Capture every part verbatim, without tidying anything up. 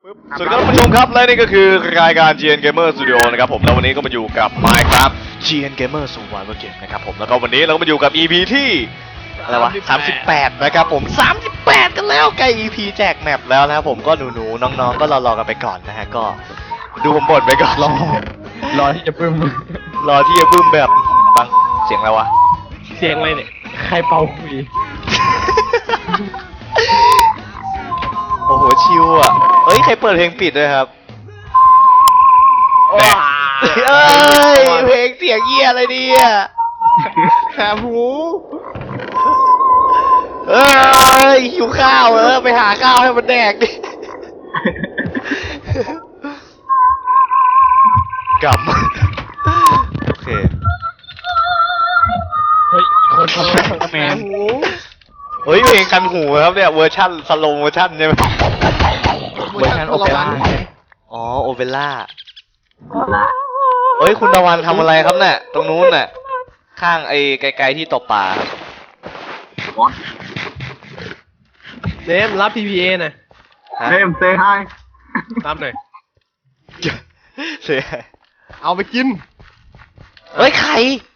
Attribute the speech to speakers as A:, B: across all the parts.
A: สวัสดีครับท่านผู้ชมครับและนี่ก็คือรายการ จี เอ็น Gamer Studio นะครับผมแล้ววันนี้ก็มาอยู่กับ Minecraft จี เอ็น Gamer Survival Game นะครับผมแล้วก็วันนี้เราก็มาอยู่กับ อี พี ที่อะไรวะสามสิบแปดนะครับผมสามสิบแปดกันแล้วใกล้ อี พี แจกแมปแล้วนะครับผมก็หนูๆน้องๆก็รอๆกันไปก่อนนะฮะก็ดูผมบ่นไปก่อนรอ
B: รอที่จะปึ้ม
A: รอที่จะบึ้มแบบบังเสียงอะไรวะ
B: เสียงอะไรเนี่ยใครเป่าคุย
A: โอ้โหชิวอ่ะเอ้ยใครเปิดเพลงปิดด้วยครับแหม่เอ้ยเพลงเสียงเยี่ยอะไรเนี่ยแหบหูเอ้ยหิวข้าวเออไปหาข้าวให้มันแดกดิกลับโอเค
B: เฮ้ยอีกคนทำให้ทำแมน
A: เฮ้ยเพลงกันหูครับเนี่ยเวอร์ชันสโลว์เวอร์ชันใช่ไหม
B: เวอร์ชันโอเปร่า
A: อ๋อโอเปร่าเฮ้ยคุณตะวันทำอะไรครับเนี่ยตรงนู้นน่ะข้างไอ้ไกลๆที่ตบปลาครับ
B: เนมรับ พี พี เอ หน่อย
A: ฮะ
C: เนมเซฮาย
B: รับหน่อย
A: เสีย
B: เอาไปกิน
A: เฮ้ยใคร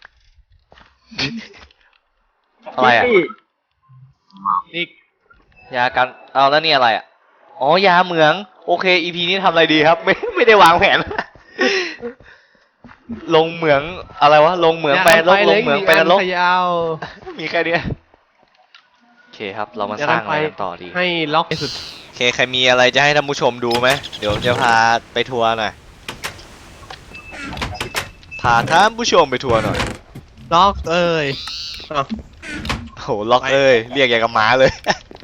A: อะไรอ่ะ
B: อีก
A: ยากันเอาแล้วนี่อะไรอ่ะอ๋อยาเหมืองโอเค อี พี นี้ทำอะไรดีครับ ไม่ไม่ได้วางแผน ลงเหมืองอะไรวะลงเหมืองไปลงลงเหมืองไปนรก
B: ยาว
A: มีแค่เนี้ยโอเคครับเรามาสร้างอะไรกันต่อดี
B: ให้ล็อกที่สุด
A: โอเคใครมีอะไรจะให้ท่านผู้ชมดูไหมเดี๋ยวจะพาไปทัวร์หน่อยพาท่านผู้ชมไปทัวร์หน่อย
B: ล็อกเอ้ยอ้าว
A: โหล็อกเอ้ยเรียกอย่างกับหมาเลย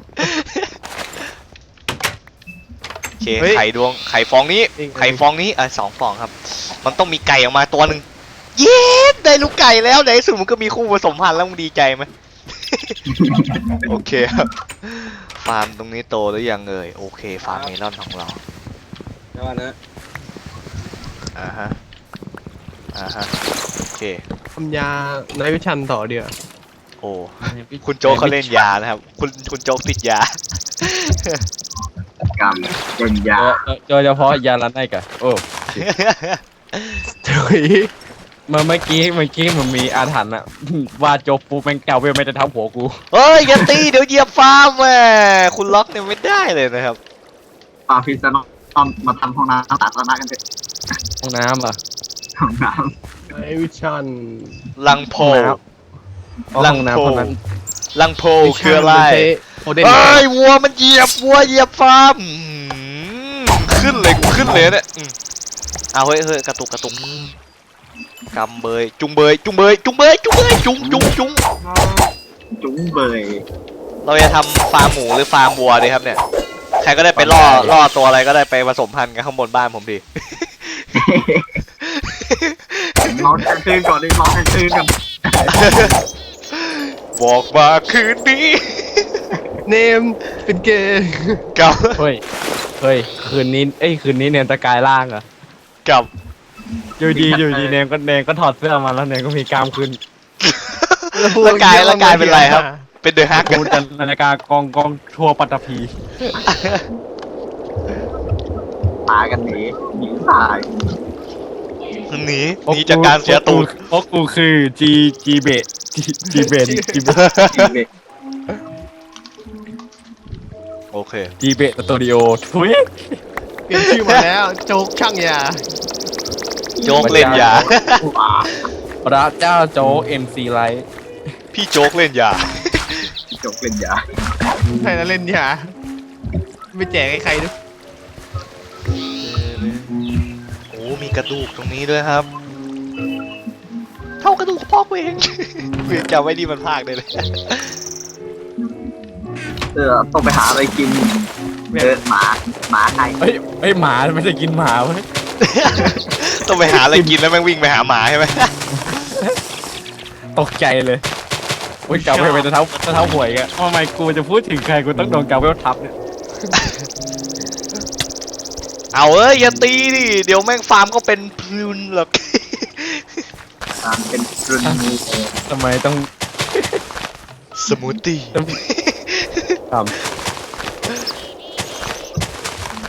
A: โอเคไข่ดวงไข่ฟองนี้ไข่ฟองนี้อ่ะสองฟองครับมันต้องมีไก่ออกมาตัวหนึ่งเย้ได้ลูกไก่แล้วในที่สุดมันก็มีคู่ผสมพันธุ์แล้วมึงดีใจไหม โอเคครับฟาร์มตรงนี้โตหรือยังเอ่ยโอเคฟาร์มเมลอนของเรา
C: เดี๋ยวนะ
A: อ่าฮะอ่าฮะโอเค
B: ทำยาในวิชันต่อเดียว
A: โอ้คุณโจ๊กเขาเล่นยานะครับคุณคุณโจ๊กติดยา
C: กรรมเป็นยา
D: โดยเฉพาะยาลันไนกะโอ้
B: ถุย
D: เมื่อเมื่อกี้เมื่อกี้มันมีอาถรรพ์อะ ว่าโจปูแมงเก่าเวลไม่จะทับหัวกู
A: เฮ้ยอย่าตีเดี๋ยวเหยียบฟาร์มแหมคุณล็อกเนี่ยไม่ได้เลยนะครับ
C: ปาพิซซ่าตอนมาทำห้องน้ำสาธารณะกันเถอะ
D: ห้องน้ำอะ
C: ห้องน้
B: ในวิชัน
A: ลังโพ
D: ห้อง
A: ลั
D: น้ำ
A: ง
D: ห้อง
A: โพ
D: น้ำเท่านั้น
A: ลังโพคืออะไร
B: โอเดน
A: เอ้ยวัวมันเหยียบวัวเหยียบฟาร์มอื้อหือขึ้นเลยกูขึ้นเลยเนี่ยอืมเอาเฮ้ยเฮ้ยกระตุกกระตุกกำเบยจุงเบยจุงเบยจุงเบยจุงเบยจุงจุงจุง
C: ำจุ้งเบย
A: เราจะทำฟาร์มหมูหรือฟาร์มวัวดีครับเนี่ยใครก็ได้ไปล่อล่อตัวอะไรก็ได้ไปผสมพันธุ์กันข้างบนบ้านผมดี
C: ร้องกันคืนก่อนดิร้องกันคืนก่อน
A: บอกมาคืนนี้
B: เนมเป็นเกย์
A: กับ
D: เฮ้ยเฮ้ยคืนนี้เอ้ยคืนนี้เนนตะกายล่างเหรอ
A: กับ
D: อยู่ดีอยู่ดีเนนก็เนนก็ถอดเสื้อมาแล้วเนนก็มีกล้ามขึ้น
A: ร่างกายร่างกายเป็นไรครับ เป็นเดอะฮัก
D: กูจะนาฬิกากองกองทัวปัตตภี
C: ตายกันหนีหนีตาย
A: หนีหนีจากการเสียตูด
D: เพราะกูคือจีจีเบะจีจีเบนจีเบ
C: จริงเลย
A: โอเค
D: จีเบะสตูดิโอทุย
B: เปลี่ยนชื่อมาแล้วโจ๊กช่างยา
A: โจ๊กเล่นยา
C: ว้า
D: พระเจ้าโจเอ็มซีไลท์
A: พี่โจ๊กเล่นยา
C: จบเป็นยา
B: ใครจะเล่นยาไม่แจกให้ใครด้วย
A: โอ้ มีกระดูกตรงนี้ด้วยครับ เท่ากระดูกพ่อกูเอง เวียนจำไว้ดีมันพากได้เลย
C: เออต้องไปหาอะไรกินเออหมาหมาไก่
D: เฮ้ยเฮ้ยหมาไม่ได้กินหมาเว้ย
A: ต้องไปหาอะไรกินแล้วแม่งวิ่งไปหาหมาใช่ไหม
D: ตกใจเลยอุ้ยกาเวลเป็นจะเท้าจะเท้าหวยกันทำไมกูจะพูดถึงใครกูต้องโดนกาเวลทับเนี่ย
A: เอาเอ้ยอย่าตีดิ เดี๋ยวแม่งฟาร์มก็เป็นพลุนหรอก
C: ตามเป็นรุ่นนี้
D: ทำไมต้อง
A: สมูทตี้
D: ต้องท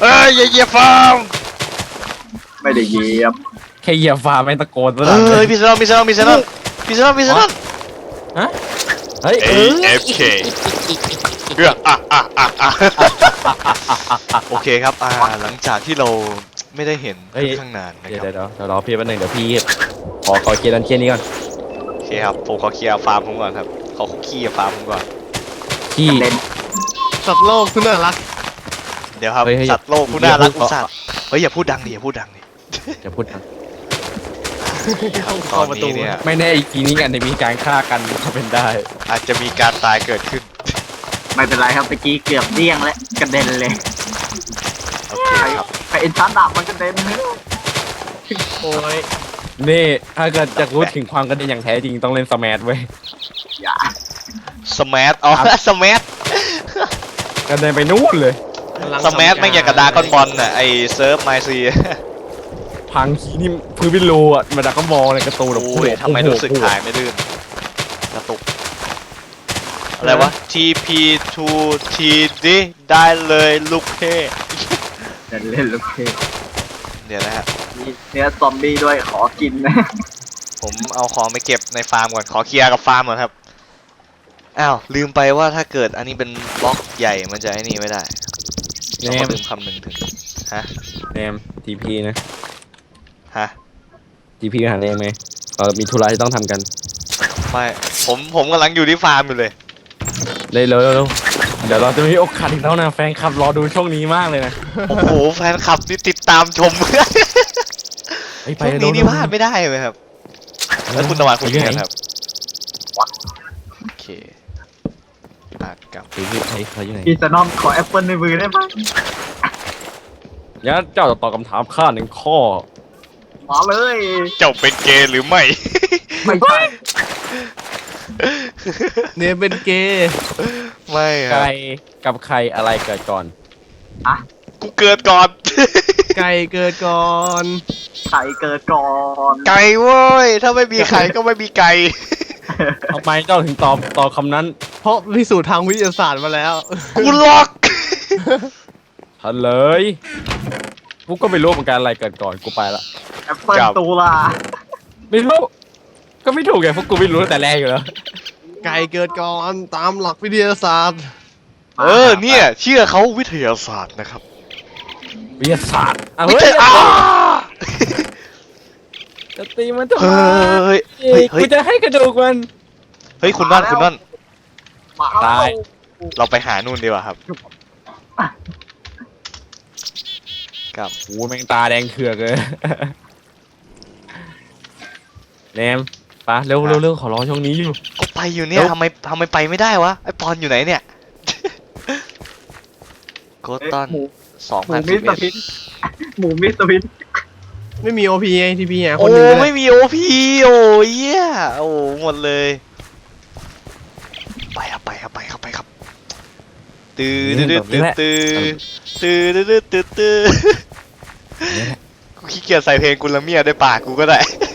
A: เอ้ยอย่าเหยียบฟาร์ม
C: ไม่ได้เหยียบ
D: แค่เหยียบฟ้าไม่ตะโกนซะห
A: เอ
D: น่อย
A: ้ยพี่เซนอนพี่เซนอนพี่เซนอนพี่เซนอนพี่เซนอน
D: ฮะเฮ้ย
A: เอฟเคเรื่องอ่ะอ่ะอ่ะอ่ะโอเคครับอ่าหลังจากที่เราไม่ได้เห็นค่อนข้างนานนะ
D: เดี๋ยว
A: ครั
D: เดี๋ย
A: บ
D: วเดี๋ยวรอพี่แป๊บนึงเดี๋ยวพี่ขอขอเคลียร์ดันเชียนนี้ก่อน
A: โอเคครับผมขอเคลียร์ฟาร์มผมก่อนครับขอเคลียร์ฟาร์มผมก่อน
D: พี่
C: เล่น
B: สัตว์โลกคุณน่ารัก
A: เดี๋ยวครับ
D: เฮ้ยเฮ้ย
A: สัตว์โลกผู้น่ารัก
D: อย่าพูด
A: อุตส่าห์เฮ้ยอย่าพูดดังดิอย่าพูดดังดิ
D: จะพูดนะ
A: ครับต
B: เข้า
A: อน
B: ประตู
A: นี้เนี่ย
D: ไม่แน่อีกทีนี้กันจะมีการฆ่ากันก็เป็นได้
A: อาจจะมีการตายเกิดขึ้น
C: ไม่เป็นไรครับเมื่อกี้เกือบเดี้ยงแล้วกระเด็นเลย
A: โอเคครับ
C: ไปเอ็นชาร์ดาบมันกระเด็นเลย
B: โอ้ย
D: นี่ถ้าเกิดจะรู้ถึงความกระเด็นอย่างแท้จริงต้องเล่นสมาร์ทเว้ย
C: อย่า
A: สมาร์ทอ๋อสมาร์ท
D: กระเด็นไปนู่นเลย
A: สมาร์ทไม่งอย่างกับดากอนบอลน่ะไอเซิร์ฟไมซี
D: พังทีนี่พื้นเป็นรูอ่ะมาดักก็มองในการะตูนแบบ
A: โอ้ยทำไมรู้สึกถ่ายไม่ลื่นกระตุกอะไรวะ ที พี ทู ที ดี ได้เลยลูกเพ่
C: เดินเล่นลูกเพจ
A: เดี๋ยวนะฮะ
C: มีเนื้อซอมบี้ด้วยขอกินนะ
A: ผมเอาของไปเก็บในฟาร์มก่อนขอเคลียร์กับฟาร์มก่อนครับอ้าวลืมไปว่าถ้าเกิดอันนี้เป็นบล็อกใหญ่มันจะไอ้นี่ไม่ได้
D: เน
A: เราก็
D: ม
A: ลืมคำหนึ่งถึงฮะ
D: เนมทีพีนะ
A: ฮะ
D: ทีพีหาเนมไหมเรามีธุระที่ต้องทำกัน
A: ไม่ผมผมกำลังอยู่ที่ฟาร์มอยู่เลย
D: เลยเร็วเร็วเดี๋ยวเราจะมีโอกาสอีกแล้วนะแฟนคลับรอดูช่วงนี้มากเลยนะ
A: โอ้โหแฟนคลับนี่ติดตามชม
D: เฮ้ยไป
A: ช่วงนี้นี่พลาดไม่ได้เลยครับ แล้วคุณตะวันคุณ
D: อยู่
A: ยัง
D: ไหน
A: ไงครับโอเคอ่ะกลับ
D: ทีพีไอ้เขาอยู่ไหน
C: พี่จะน้อมขอแอปเปิลในมือได้ไหม
D: งั้นเจ้าจะตอบคำถามข้าหนึ่งข้อ
C: มาเลย
A: เจ้าเป็นเกย์หรือไม่
C: ไม่ใช่
B: เนี่ยเป็นเกย์
A: ไม่ค
D: ใค
A: รั
D: ร
A: บ
D: กับใครอะไรเกิดก่อน
C: อะ
A: กูเกิดก่อน
B: ไก่เกิดก่อน
C: ไข่เกิดก่อน
A: ไก่เว้ย ถ้าไม่มีไข่ก็ไม่มีไก่
D: ทำไมเจ้าถึงตอบตอบคำนั้น
B: เพราะพิสูจน์ทางวิทยาศาสตร์มาแล้ว
A: กูล็อก
D: เฉลยกูก็ไม่รู้เหมือนกันอะไรเกิดก่อนกูไปละ
C: แอปเปิลตูลา
D: ไม่รู้ก็ไม่ถูกไงพวกกูไม่รู้ตั้งแต่แรกอยู่แล้ว
B: ไก่เกิดก่อนตามหลักวิทยาศาสตร์
A: เออเนี่ย เชื่อเขาวิทยาศาสตร์นะครับ
D: วิทยาศาสตร์อ่ะ
A: วิ
D: เฮ้ย
A: ทยาอ้า
D: จะตีมันทำไม
A: เฮ้ยเฮ้ยเฮ้
D: กู
A: ย
D: จะให้กระดูกมัน
A: เฮ้ยคุณนั่นคุณนั่น
C: มา
D: ตาย
A: เราไปหานู่นดีกว่าครับกับ
D: โอ้ยแมงตาแดงเถือกเลยเนมไปะเร็วเร็วเร็วขอร้องช่วงนี้อยู่
A: ก็ไปอยู่เนี่ยทำไมทำไมไปไม่ได้วะไอปอนอยู่ไหนเนี่ยโกตอน
C: หมู
A: สอง
C: หมู
A: พัน
C: มิ
A: สิ
C: ส
A: บ
C: เตอ
A: เอ็ด
C: ร์พิษหมูมิสเตอร์พิษ
B: ไม่มีโอพีไอทีพีไงค
A: โอ้
B: นหนึ่งเลย
A: ไม่มีโอพีโอ้ยเหี้ยโอ้หมดเลย ไปครับไปครับไปครับไปครับตื้อตื้อตื้อตื้อตื้อตื้อตื้อตื้อตื้อกูขี้เกียจใส่เพลงกุลเมียด้วยปากกูก็ได้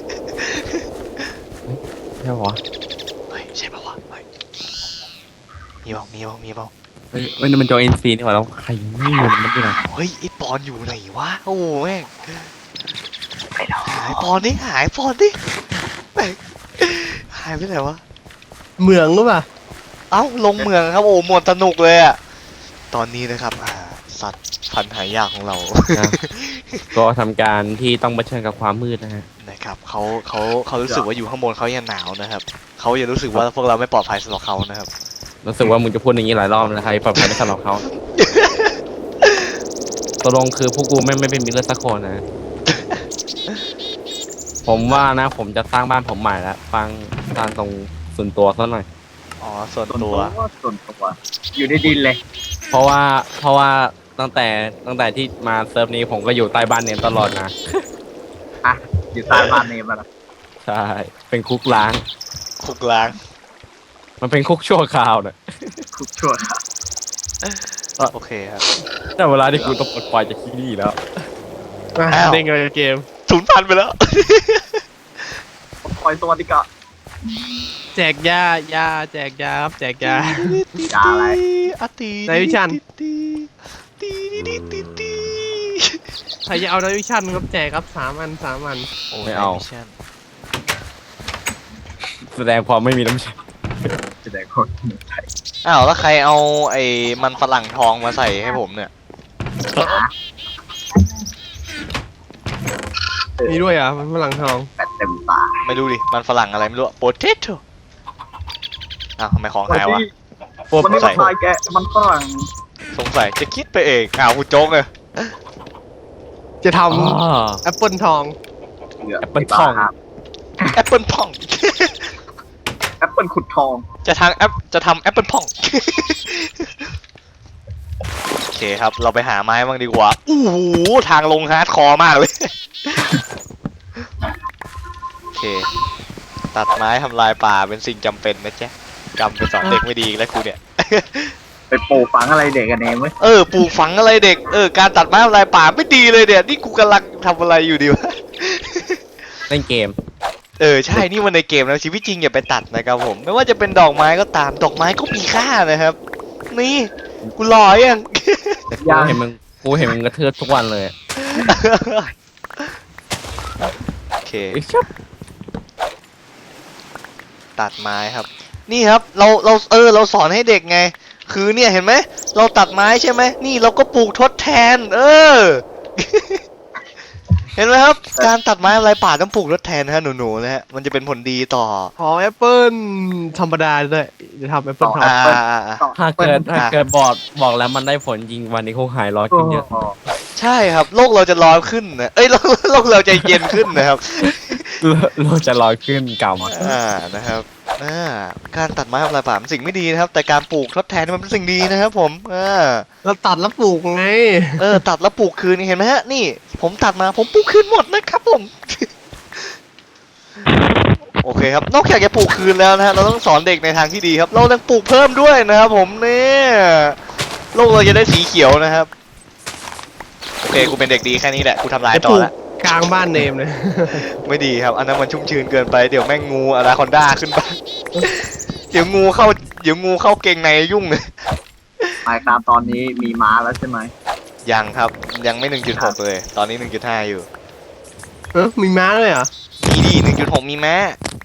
D: ใช่ปะวะ
A: เฮ้ยใช่ปะวะเฮ้ยมีเปล่ามีเปล่ามีเปล่า
D: เฮ้ยเฮ้ยนี่มันจอเอ็นซีนี่หว่าแล้วใครไม่มีมันที่ไหน
A: เฮ้ยไอปอนอยู่ไหนวะโอ้แม่งหายปอนดิหายปอนดิแม่งหายไปไหนวะ
B: เหมืองหรือเปล่า
A: เอ้าลงเมืองครับโอ้หมดสนุกเลยอะตอนนี้นะครับอ่าสัตว์พันธุ์หายากของเรา
D: ก็ทำการที่ต้องเผชิญกับความมืดนะฮะ
A: นะครับเขาเขาเขารู้สึกว่าอยู่ข้างบนเขายังหนาวนะครับเขายังรู้สึกว่าพวกเราไม่ปลอดภัยสำหรับเขานะครับ
D: รู้สึกว่ามึงจะพูดอย่างนี้หลายรอบแล้วใครปลอดภัยไม่สำหรับเขาตกลงคือพวกกูไม่ไม่เป็นมิตรเลยสักคนนะ ผมว่านะผมจะสร้างบ้านผมใหม่แล้วฟังสร้างตรงส่วนตัวซะหน่อย
A: อ๋อส่วน
C: ส่วน
A: ตั
C: ตัว วส่วนตัวอยู่ในดินเลย
D: เพราะว่าเพราะว่าตั้งแต่ตั้งแต่ที่มาเซิร์ฟนี้ผมก็อยู่ใต้บ้านเนมตลอดนะ
C: อ่ะอยู่ใต้บ้านเนมมาแล้ว
D: ใช่เป็นคุกล้าง
A: คุกล้าง
D: มันเป็นคุกชั่วคราวน่ะ
C: คุกชั่วครับ
A: โอเคครับ
D: แต่เวลาที่กูต้องปลดปล่อยจากที่นี่แล้ว
A: อ้าว
B: เด้งกันเกม
A: ศูนย์พันไปแล้ว
C: ปล่อยตัวดีกว่า
B: แจกยายาแจกยาครับแจกยา
C: ยาอะไร
A: อะตี
B: ในวิชัน
A: ตีตีตีตีตี
B: ใครจะเอาดาวิชั่นครับแจกครับสามอันสามอัน
A: โอ้
D: ไม่เอา
A: ใช่
D: แสดงความไม่มีน้ำใจ
C: จะได้คนไทย
A: อ้าวแล้วใครเอาไอ้มันฝรั่งทองมาใส่ให้ผมเนี่ย
B: มีด้วยอ่ะมันฝรั่งทอง
C: แปดเต็มตา
A: ไม่รู้ดิมันฝรั่งอะไรไม่รู้โปเตโต้อ้าวทำไมของหายวะ
C: วันนี้มาทายแกมันฝรั่ง
A: สงสัยจะคิดไปเองอ้าวคุณโจ๊กเลย
B: จะท
D: อ๋อ
B: ำแอปเปิลทอง
D: แอปเปิ้ลทอง
A: แอปเปิลพ่อง
C: แอปเปิลขุดทอง
A: จะทางแอปจะทำแอปเปิลพ่อง โอเคครับเราไปหาไม้บ้างดีกว่าอู้หูทางลงฮาร์ดคอร์มากเลย โอเค ตัดไม้ทำลายป่าเป็นสิ่งจำเป็นนะจ๊ะจำเป็นสอนเด็กไม่ดีอีกแล้วครูเนี่ย
C: ไปปลูกฝังอะไรเด็กกันเองไหม
A: เออปลูกฝังอะไรเด็กเออการตัดไม้ทำลายป่าไม่ดีเลยเนี่ยนี่กูกำลังทำอะไรอยู่ดีวะ
D: เล่นเกม
A: เออใช่นี่มันในเกมแล้วชีวิตจริงอย่าไปตัดนะครับผมไม่ว่าจะเป็นดอกไม้ก็ตามดอกไม้ก็มีค่านะครับ นี่กูหล่อยัง
D: แต่กูเห็นมึงกูเห็นมึงกระเทือทุกวันเลย
A: โอเค
D: ไอ้ชับ
A: ตัดไม้ครับ นี่ครับเราเราเออเราสอนให้เด็กไง คือเนี่ยเห็นไหมเราตัดไม้ใช่ไหมนี่เราก็ปลูกทดแทน เออ เห็นไหมครับ การตัดไม้อะไรป่าต้องปลูกทดแทนนะฮะหนูๆนะฮะมันจะเป็นผลดีต่อ
B: ขอแอปเปิลธรรมดาด้วยจะทำแอปเปิลทอง
A: อ่าอ่าอ่า
D: ถ้าเกิดถ้าเกิดบอกบอกแล้วมันได้ผลจริงวันนี้คงหายร้อนขึ้นเยอะ
A: ใช่ครับโลกเราจะร้อนขึ้นนะเอ้ยโลกโลกเราจะเย็นขึ้นนะครับ
D: เราจะร้อนขึ้นกรรม
A: อ่านะครับอ่าการตัดไม้ทำลายป่าเป็นสิ่งไม่ดีนะครับ แต่การปลูกทดแทนมันเป็นสิ่งดีนะครับผมอ่า
B: เราตัดแล้วปลูกไง
A: เออตัดแล้วปลูกคืนเห็นไหมฮะนี่ ผมตัดมาผมปลูกคืนหมดนะครับผม โอเคครับนอกจากจะปลูกคืนแล้วนะฮะเราต้องสอนเด็กในทางที่ดีครับ เราต้องปลูกเพิ่มด้วยนะครับผมเนี่ยโลกเราจะได้สีเขียวนะครับโอเคกูเป็นเด็กดีแค่นี้แหละกูทำลาย
B: จะ
A: ต่
B: ป
A: อ
B: ลูก
A: ละ
B: กลางบ้านเนมเลย
A: ไม่ดีครับ อันนั้นมันชุ่มชื้นเกินไป เดี๋ยวแม่งงูอนาคอนด้าขึ้นไป เดี๋ยวงูเข้า เดี๋ยวงูเข้าเกงในยุ่งเลย
C: ไมค์ครับตอนนี้มีม้าแล้วใช่ไหม
A: ยังครับ ยังไม่ หนึ่งจุดหก เลย ตอนนี้ หนึ่งจุดห้า อยู่
B: เออมีม้าด้วยเหรอ
A: มีดี หนึ่งจุดหก มีแม้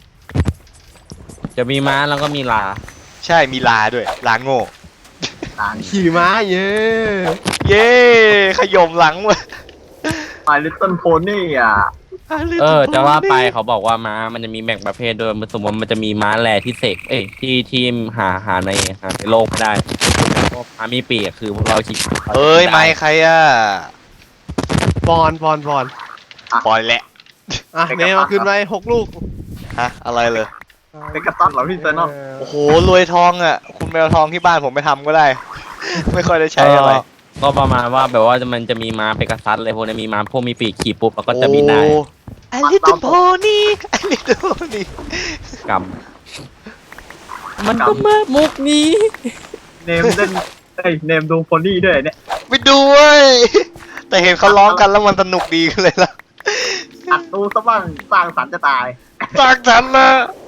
D: จะมีม้าแล้วก็มีลา
A: ใช่ มีลาด้วย ลาโง่
C: ต่าง
B: ขี่ม้าเย้
A: เย้ขยมหลังเว้ย
C: ไมลิตเติ้ลโพนี่อ่ะ
D: เออจะว่าไปเขาบอกว่าม้ามันจะมีแบ่งประเภทด้วยมันสมมติมันจะมีม้าแลที่เสกเอ้ยที่ที่หาหาในหาในโลกไม่ได้พวกม้ามีปีกอะคือพวกเราคิด
A: เอ้ย ไม่ใครอ่ะ
B: ปอนปอนปอน
A: ปล่อยแหละ
B: อ่ะเนมเอาขึ้นไปหกลูก
A: ฮะ อะไรเลย
C: เป็นกระตันเหรอพี่เซนอน
A: โอ้โห รวยทองอ่ะ คุณไปเอาทองที่บ้านผมไปทำก็ได้ ไม่ค่อยได้ใช้อะไร
D: ก็ประมาณว่าแบบว่ามันจะมีม้าเปกัสซัสเลยพวกนี้มีม้าพวกมีปีกขี่ปุ๊บแล้วก็จะบินได้
A: ไอลิตเติ้ลโพนี่ไอลิตเติ้ลโพนี่
D: กรรมมันก็มามุกนี้
C: เนมเล่นเอ้ยเนมดูโพนี่ด้วยเนี่ย
A: ไปดูเว้ย แต่เห็นเขาร้องกันแล้วมันสนุกดีขึ้นเลยล่ะ
C: อัดดูซะบ้างสร้างสรรค์จะตาย
A: ตากฉันนะ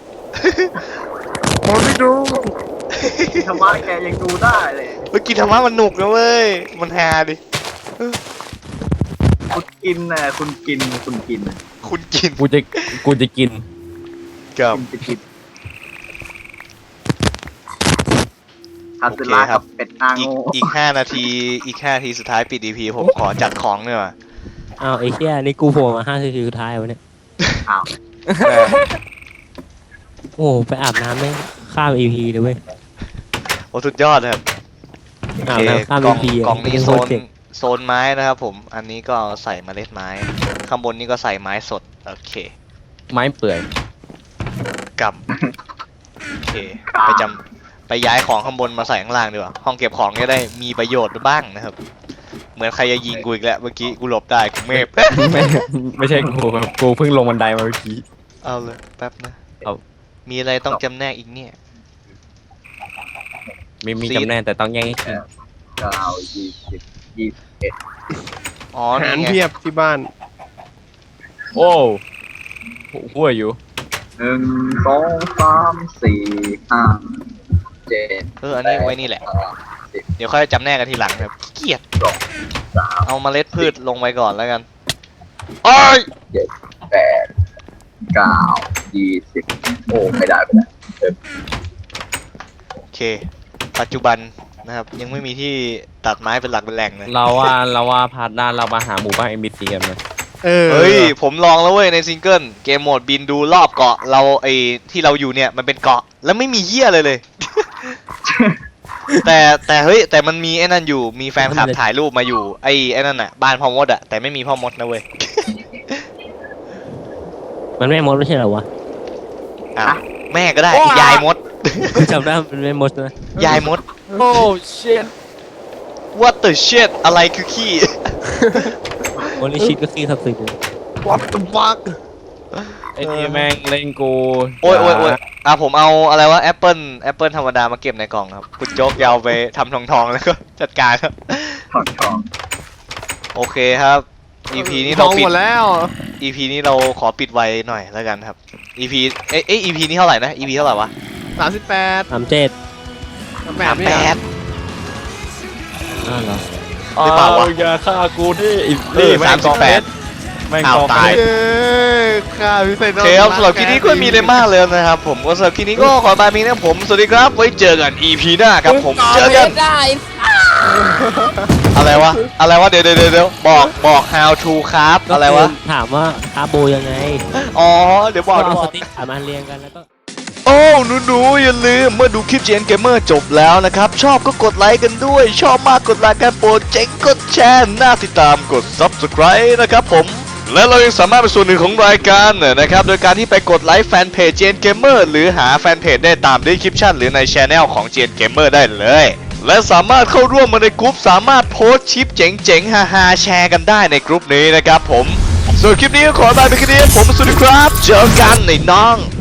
B: ผมไม่ดู
C: ธรรมะแกยังดูได้เลย
A: เมื่อกี้ธรรมะมันหนุกนะเว้ย มันฮาดิ
C: คุณกินน่ะคุณกินคุณกินน่ะ
A: คุณกิน
D: กูจะกูจะกิน
A: กับ
C: คุณจะกินคาสึระกับเป็ดนาง
A: อีก
C: โง่
A: อีกห้านาที อีกห้านาทีสุดท้ายปิดดีพีผมขอจัดของเนี่อยว่ะ
E: อ้าวไอ้เหี้ยนี่กูโผล่มาห้านาทีสุดท้ายวะเนี่ย
C: อ้าว
A: เออ
E: โอ้ไปอาบน้ำไม่งข้าม อี พี เลยเว้ย
A: โอ้สุดยอดครับ โอ
E: อาบ
A: เค
E: น้ำข้าม
A: กล่
E: อี
A: อง
E: พี
A: กล่องนี้โซน
E: เจ็ก
A: โซนไม้นะครับผม อันนี้ก็เอาใส่เมล็ดไม้ ข้างบนนี้ก็ใส่ไม้สด โอเค
D: ไม้เปื่อย
A: กำโอเค ไปจำไปย้ายของข้างบนมาใส่ข้างล่างดีกว่า ห้องเก็บของจะได้มีประโยชน์บ้างนะครับ เหมือนใครจะยิงกูอีกแล้ว เมื่อกี้กูหลบได้กูเมฟ
D: ไม่ไม่ใช่กูครับกูเพิ่งลงบันไดมาเมื่อกี้
A: เอาเลยแป๊บนะ
D: เอา
A: มีอะไรต้องจำแนกอีกเนี่ย
D: มีมีจำแนกแต่ต้องแย่งให้กิน
C: ก็เอายี่สิบยี่สิบเอ็ด
A: อ๋อ
B: อาหาร
A: นี่ไง
B: เพียบที่บ้าน
D: โอ้หัวอยู่
C: หนึ่งสองสามสี่ห้าเจ็ด
A: เออ อันนี้ไว้นี่แหละ เดี๋ยวค่อยจำแนกกันทีหลังครับขี้เกียจ
C: สาม
A: เอาเมล็ดพืชลงไปก่อนแล้วกันโอ้ย
C: เจ็ดแปดเก้ายี่สิบโอ้ไม่ได้ไม่ได้เออ
A: โอเค ปัจจุบันนะครับยังไม่มีที่ตัดไม้เป็นหลักเป็นแหล่งเลย
D: เราว่าเราว่าพาร์ทหน้าเรามาหาหมู่บ้านเอ็มบีซีกันนะ
B: เออ
A: เฮ้ยผมลองแล้วเว้ยในซิงเกิลเกมโหมดบินดูรอบเกาะเราไอที่เราอยู่เนี่ยมันเป็นเกาะแล้วไม่มีเหี้ยเลยเลย แต่แต่เฮ้ยแต่มันมีไอ้นั่นอยู่มีแฟนคลับถ่ายรูปมาอยู่ไอ้ไอ้นั่นอ่ะบ้านพ่อมดอ่ะแต่ไม่มีพ่อมดนะเว้ย
E: มันไม่มดไม่ใช่เหรอวะ
A: อ้าวแม่ก็ได้ยายมด
E: จำได้มันไม่มดนะ
A: ยายมด
D: โอ้เชิด
A: what the shit อะไรคือขี้
E: โอลิชิตก็ขี้สับสิบเลย
B: วัดตฟัก
D: ไอ้นี่แม่งเล่นกู
A: โอ้ยโอ้ยโอ้ยอ่ะผมเอาอะไรวะแอปเปิลแอปเปิลธรรมดามาเก็บในกล่องครับคุณโจ๊กยาวไปทำทองทองๆแล้วก็จัดการครับ
C: ถอดทอง
A: โอเคครับ อี พี นี้
B: ท
A: เรา
B: อง
A: ปิ
B: ห
A: ด
B: มดแล้ว
A: อี พี นี้เราขอปิดไว้หน่อยแล้วกันครับ อี พี เอ้ยเอ้ย อี พี นี้เท่าไหร่นะ อี พี เท่าไหร่วะ
B: สามสิบแปด
E: สามเจ็ด
B: แป
A: สา
B: ด
A: ม
B: ไม่
A: แป
B: ได้
A: ด
E: อ้าวเหรอ
A: หรือเปล่าวะ
D: อย่าฆ่ากูที่
A: เออสามสิบแปด
D: แม่ง
A: อ้าว
D: กอง
A: ตาย
B: เอ้ยข้าพิเศษ
A: โอเคครับสำหรับคลิปนี้ก็ไม่มีอะไรมากเลยนะครับผมก็สำหรับคลิปนี้ก็ขอบายมีนะผมสวัสดีครับไว้เจอกัน อี พี หน้าครับผมเจอกันอะไรวะอะไรวะเดี๋ยวเดี๋ยวเดี๋ยวบอกบอก how to ครับอะไรวะ
E: ถามว่าคาโบยังไง
A: อ๋อเดี๋ยวบอก
E: ก็
A: เดี๋ยว
E: เอา
A: บ
E: ส
A: อก
E: ติ๊กขามาเรียงกันแล้วก็
A: โอ้หนูๆอย่าลืมเมื่อดูคลิป จี เอ็น Gamer จบแล้วนะครับ ชอบก็กดไลค์กันด้วย ชอบมากกดไลค์กันโปรดเจ๋งกดแชร์น่าติดตามกด Subscribe นะครับผม และเรายังสามารถเป็นส่วนหนึ่งของรายการนะครับ โดยการที่ไปกดไลค์แฟนเพจ จี เอ็น Gamer หรือหาแฟนเพจได้ตาม description หรือใน Channel ของ จี เอ็น Gamer ได้เลย และสามารถเข้าร่วมมาในกลุ่มสามารถโพสต์ชิปเจ๋งๆฮาๆแชร์กันได้ในกลุ่มนี้นะครับผมส่วนคลิปนี้ก็ขอลาไปแค่นี้ผมสวัสดีครับเจอกันในน้อง